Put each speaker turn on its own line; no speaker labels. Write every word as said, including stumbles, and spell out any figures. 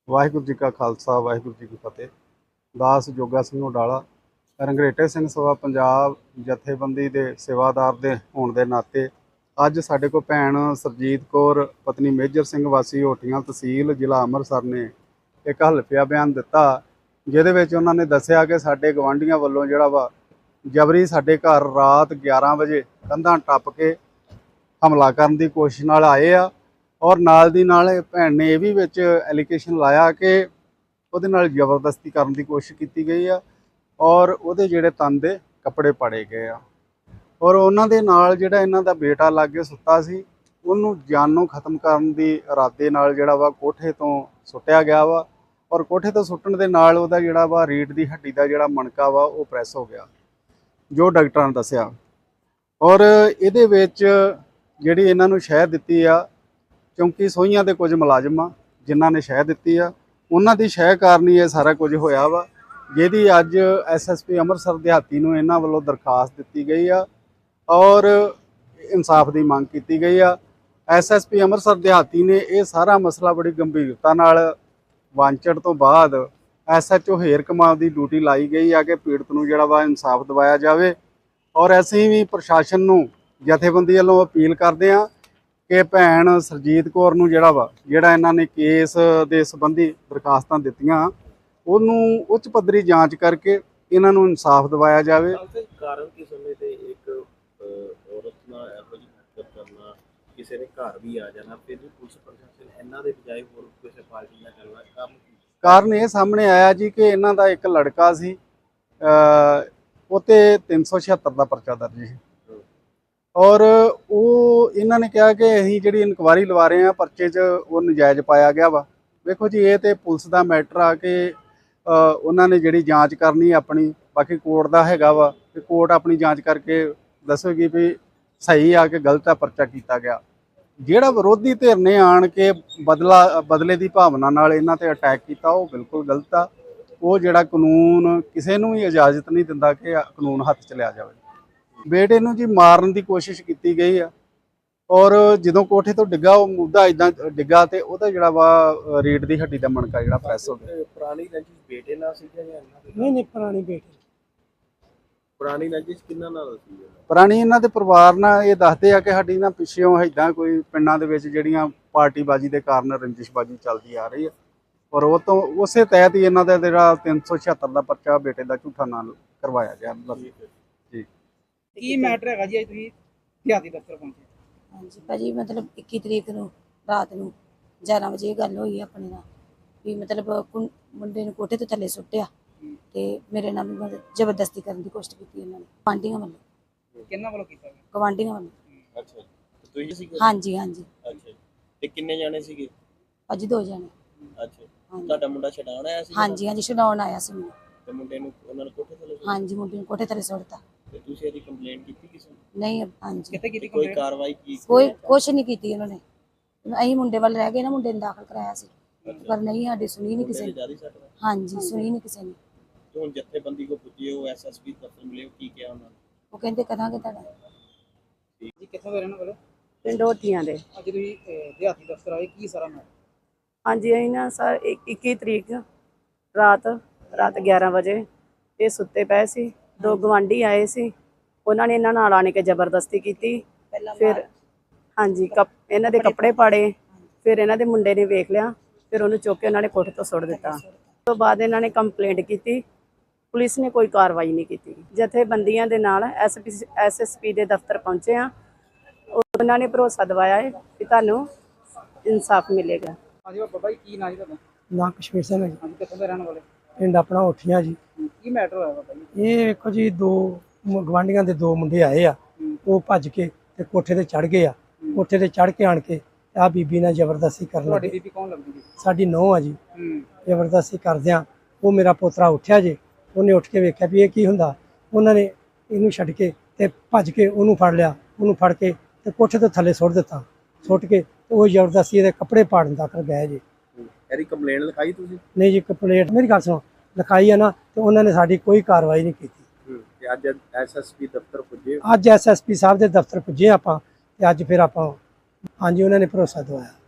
ਵਾਹਿਗੁਰੂ ਜੀ ਕਾ ਖਾਲਸਾ ਵਾਹਿਗੁਰੂ जी की फतेह। दास जोगा सिंह उडाला रंगरेटे सिंह सभा पंजाब जथेबंदी के सेवादार दे होने के नाते अज साडे को भैन सरजीत कौर पत्नी मेजर सिंह वासी होटियां तहसील जिला अमृतसर ने एक हल्फिया बयान दिता, जिहदे विच उन्होंने दस्सिया कि साडे गवांढियां वल्लों जिहड़ा वा जबरी साडे घर रात ग्यारह बजे कंधां टप के हमला करने की कोशिश नाल आए आ और नाल दी नाल भैन ने यह भी विच एलीगेशन लाया कि ਉਹਦੇ ਨਾਲ ਜ਼ਬਰਦਸਤੀ ਕਰਨ ਦੀ ਕੋਸ਼ਿਸ਼ ਕੀਤੀ ਗਈ ਆ और ਉਹਦੇ ਜਿਹੜੇ ਤਨ ਦੇ ਕੱਪੜੇ ਪਾੜੇ ਗਏ ਆ ਔਰ ਉਹਨਾਂ ਦੇ ਨਾਲ ਜਿਹੜਾ ਇਹਨਾਂ ਦਾ ਬੇਟਾ ਲਾਗੇ ਸੁੱਤਾ ਸੀ ਉਹਨੂੰ ਜਾਨੋਂ ਖਤਮ ਕਰਨ ਦੀ ਇਰਾਦੇ ਨਾਲ ਜਿਹੜਾ ਵਾ ਕੋਠੇ ਤੋਂ ਸੁੱਟਿਆ ਗਿਆ ਵਾ ਔਰ ਕੋਠੇ ਤੋਂ ਸੁੱਟਣ ਦੇ ਨਾਲ ਉਹਦਾ ਜਿਹੜਾ ਵਾ ਰੀੜ ਦੀ ਹੱਡੀ ਦਾ ਜਿਹੜਾ ਮਣਕਾ ਵਾ ਉਹ ਪ੍ਰੈਸ ਹੋ ਗਿਆ ਜੋ ਡਾਕਟਰਾਂ ਨੇ ਦੱਸਿਆ। ਔਰ ਇਹਦੇ ਵਿੱਚ ਜਿਹੜੀ ਇਹਨਾਂ ਨੂੰ ਸ਼ਹਿ ਦਿੱਤੀ ਆ ਚੌਂਕੀ ਸੋਹੀਆਂ ਦੇ ਕੁਝ ਮੁਲਾਜ਼ਮ ਆ ਜਿਨ੍ਹਾਂ ਨੇ ਸ਼ਹਿ ਦਿੱਤੀ ਆ ਉਹਨਾਂ ਦੀ ਸ਼ਹਿ ਕਾਰਨ ਹੀ ਇਹ ਸਾਰਾ ਕੁਝ ਹੋਇਆ ਵਾ, ਜਿਹਦੀ ਅੱਜ ਐਸ ਐਸ ਪੀ ਅੰਮ੍ਰਿਤਸਰ ਦਿਹਾਤੀ ਨੂੰ ਇਹਨਾਂ ਵੱਲੋਂ ਦਰਖਾਸਤ ਦਿੱਤੀ ਗਈ ਆ ਔਰ ਇਨਸਾਫ ਦੀ ਮੰਗ ਕੀਤੀ ਗਈ ਆ। ਐਸ ਐਸ ਪੀ ਅੰਮ੍ਰਿਤਸਰ ਦਿਹਾਤੀ ਨੇ ਇਹ ਸਾਰਾ ਮਸਲਾ ਬੜੀ ਗੰਭੀਰਤਾ ਨਾਲ ਵਾਂਚੜ ਤੋਂ ਬਾਅਦ ਐਸ ਐਚ ਓ ਹੇਰ ਕਮਾਲ ਦੀ ਡਿਊਟੀ ਲਾਈ ਗਈ ਆ ਕਿ ਪੀੜਤ ਨੂੰ ਜਿਹੜਾ ਵਾ ਇਨਸਾਫ ਦਿਵਾਇਆ ਜਾਵੇ। ਔਰ ਅਸੀਂ ਵੀ ਪ੍ਰਸ਼ਾਸਨ ਨੂੰ ਜਥੇਬੰਦੀ ਵੱਲੋਂ ਅਪੀਲ ਕਰਦੇ ਹਾਂ कि भैन सरजीत कौर नूं जिहड़ा वा जिहड़ा इन्हां ने केस दे संबंधी दरखास्तां दित्तियां उहनूं उच्च पद्धरी जांच करके इन्हां नूं इंसाफ दिवाया जावे।
कारण की समय ते एक औरत नाल इहो जी हरकत करना किसी ने घर भी आ जाना फिर भी पुलिस प्रशासन इन्हां दे बजाय होर किसी पार्टी नाल करना काम
कारण ये सामने आया जी कि इन्हां दा एक लड़का सी उते तीन सौ छिहत्तर का परचा दर्ज है और वो इन्होंने कहा कि असीं जिहड़ी इनकुआरी लवा रहे हैं परचे च वो नजायज़ पाया गया वा। देखो जी ये तो पुलिस का मैटर आ कि उन्होंने जिहड़ी जांच करनी अपनी, बाकी कोर्ट का हैगा वा कि कोर्ट अपनी जांच करके दसेगी भी सही आ कि गलत आ परचा किया गया। जिहड़ा विरोधी धिर ने आण के बदला बदले की भावना नाल इन्हां ते अटैक किया वो बिल्कुल गलत आ। वो जिहड़ा कानून किसी नूं भी इजाजत नहीं दिंदा कि कानून हत्थ च लिया जाए। बेटे नूं जी मारन की कोशिश की गई है और जो कोठे तो डिग्गा वो मुद्दा इदा डिग्गा तो वह जोड़ा वा रीढ़ की हड्डी का मणका जो प्रैस हो गया।
पुरानी रंजिश बेटे नाल सी जां
नहीं नहीं पुरानी बेटे
पुरानी रंजिश किन्ना नाल सी?
पुरानी इन्हां दे परिवार नाल ये दसदे आ कि साडी ना पिछों इदां कोई पिंडां दे विच जिहड़ियां पार्टीबाजी के कारण रंजिशबाजी चलती आ रही है और वो तो उस तहत ही इन्हां दा जिहड़ा तीन सौ छिहत्तर का परचा बेटे का झूठा नाल करवाया गया जी।
की मैटर है जी तुसीं दिहाती दफ्तर पहुंचे?
हाँ जी भाजी मतलब इक्की तरीक नूं रात नूं ग्यारह बजे गल हुई अपने नाल भी मतलब मुंडे नूं कोठे तो थल्ले सुट्टिया ते मेरे नाल मतलब जबरदस्ती करने की कोशिश की उन्होंने गवांढियां वालों।
किन्ना वालों कीता?
गवांढियां वालों।
अच्छा तो तुसीं सी?
हाँ जी हाँ जी।
अच्छा ते किन्ने जाने सीगे?
भाजी दो जने।
अच्छा ਤੁਹਾਡਾ ਮੁੰਡਾ ਛਡਾਉਣ ਆਇਆ ਸੀ?
हाँ जी हाँ जी छडाउण आया सी मैं
ਤੇ ਮੁੰਡੇ ਨੂੰ ਉਹਨਾਂ ਨੇ ਕੋਠੇ ਥੱਲੇ?
हाँ जी मुंडे नूं कोठे थल्ले सुट्टता।
ਤੇ ਤੁਸੀਂ ਇਹਦੀ ਕੰਪਲੇਂਟ ਕੀਤੀ ਕਿਸੇ ਨੂੰ?
नहीं हाँ जी
कित्थे कीती
ਕੋਈ
कंप्लेंट?
ਕਾਰਵਾਈ ਕੀ?
कोई कुछ नहीं की उन्होंने। असीं मुंडे वाल रह गए ना, मुंडे नूं दाखल कराया सी पर नहीं साडी सुनी नहीं किसी ने।
ਜਿਆਦਾ ਸੱਟ ਲੱਗੀ?
हाँ जी सुनी नहीं किसी ने।
ਤੇ ਹੁਣ ਜਥੇਬੰਦੀ ਕੋ ਪੁੱਜੇ ਹੋ ਐਸਐਸਪੀ ਦਫ਼ਤਰ ਮਿਲੇ ਹੋ ਕੀ ਕਿਹਾ ਉਹਨਾਂ ਨੇ?
वो कहंदे करांगे तुहाडा।
जी कित्थों दे रहने वाले?
ਪਿੰਡ ਹੋਟੀਆਂ ਦੇ।
ਅੱਜ ਤੁਸੀਂ ਦਿਹਾਤੀ ਦਫ਼ਤਰ ਆਏ, ਕੀ ਸਾਰਾ ਮੈਟਰ?
ਹਾਂਜੀ ਅਸੀਂ ਨਾ ਸਰ ਇੱਕੀ ਤਰੀਕ ਰਾਤ ਰਾਤ ਗਿਆਰਾਂ ਵਜੇ ਇਹ ਸੁੱਤੇ ਪਏ ਸੀ। ਦੋ ਗਵਾਂਢੀ ਆਏ ਸੀ, ਉਹਨਾਂ ਨੇ ਇਹਨਾਂ ਨਾਲ ਆਣ ਕੇ ਜ਼ਬਰਦਸਤੀ ਕੀਤੀ। ਫਿਰ ਹਾਂਜੀ ਕੱਪ ਇਹਨਾਂ ਦੇ ਕੱਪੜੇ ਪਾੜੇ। ਫਿਰ ਇਹਨਾਂ ਦੇ ਮੁੰਡੇ ਨੇ ਵੇਖ ਲਿਆ, ਫਿਰ ਉਹਨੂੰ ਚੁੱਕ ਕੇ ਉਹਨਾਂ ਨੇ ਕੋਠੇ ਤੋਂ ਸੁੱਟ ਦਿੱਤਾ। ਉਸ ਤੋਂ ਬਾਅਦ ਇਹਨਾਂ ਨੇ ਕੰਪਲੇਂਟ ਕੀਤੀ, ਪੁਲਿਸ ਨੇ ਕੋਈ ਕਾਰਵਾਈ ਨਹੀਂ ਕੀਤੀ। ਜਥੇਬੰਦੀਆਂ ਦੇ ਨਾਲ S P S S P ਦੇ ਦਫ਼ਤਰ ਪਹੁੰਚੇ ਆ, ਉਹਨਾਂ ਨੇ ਭਰੋਸਾ ਦਿਵਾਇਆ ਹੈ ਕਿ ਤੁਹਾਨੂੰ ਇਨਸਾਫ ਮਿਲੇਗਾ।
ਹਾਂਜੀ ਬਾਬਾ ਜੀ ਕੀ ਨਾਂ ਜੀ ਤੁਹਾਡਾ?
ना कश्मीर से मैं
ਹਾਂਜੀ ਕਿੱਥੋਂ ਦੇ ਰਹਿਣ ਵਾਲੇ?
पिंड अपना उठिया जी।
ਕੀ ਮੈਟਰ ਹੋਇਆ ਬਾਬਾ ਜੀ?
ये देखो जी दो गवांढियां दे दो मुंडे आए आ, वो भज के ते कोठे ते चढ़ गए आ। कोठे ते चढ़ के आण के आ बीबी नाल जबरदस्ती करन
ਤੁਹਾਡੀ
लगे।
ਬੀਬੀ ਕੌਣ ਲੱਗਦੀ ਜੀ?
साडी नौं आ जी।
ਹੂੰ
जबरदस्ती करदियां वो मेरा पोतरा उठिया जे, उन्हें उठ के वेख्या भी ये की हुंदा। उन्होंने इनू छड्ड के ते भज के उन्हूं फड़ लिया, उन्हूं फड़ के ते कोठे तो थल्ले सुੱਟ दित्ता। सुੱਟ के वो जबरदस्ती इहदे कपड़े पाड़न तक गए जी।
ਇਹਦੀ ਕੰਪਲੇਂਟ ਲਿਖਾਈ ਤੁਸੀਂ?
नहीं जी कंप्लेंट मेरी गल सुनो लिखाई है ना, तो उन्होंने साडी कोई कार्रवाई नहीं की।
ਤੇ ਅੱਜ ਐਸਐਸਪੀ ਦਫ਼ਤਰ ਪੁੱਜੇ?
ਅੱਜ ਐਸ ਐਸ ਪੀ ਸਾਹਿਬ ਦੇ ਦਫ਼ਤਰ ਪੁੱਜੇ ਆਪਾਂ ਤੇ ਅੱਜ ਫਿਰ ਆਪਾਂ ਹਾਂਜੀ ਉਹਨਾਂ ਨੇ ਭਰੋਸਾ ਦਵਾਇਆ।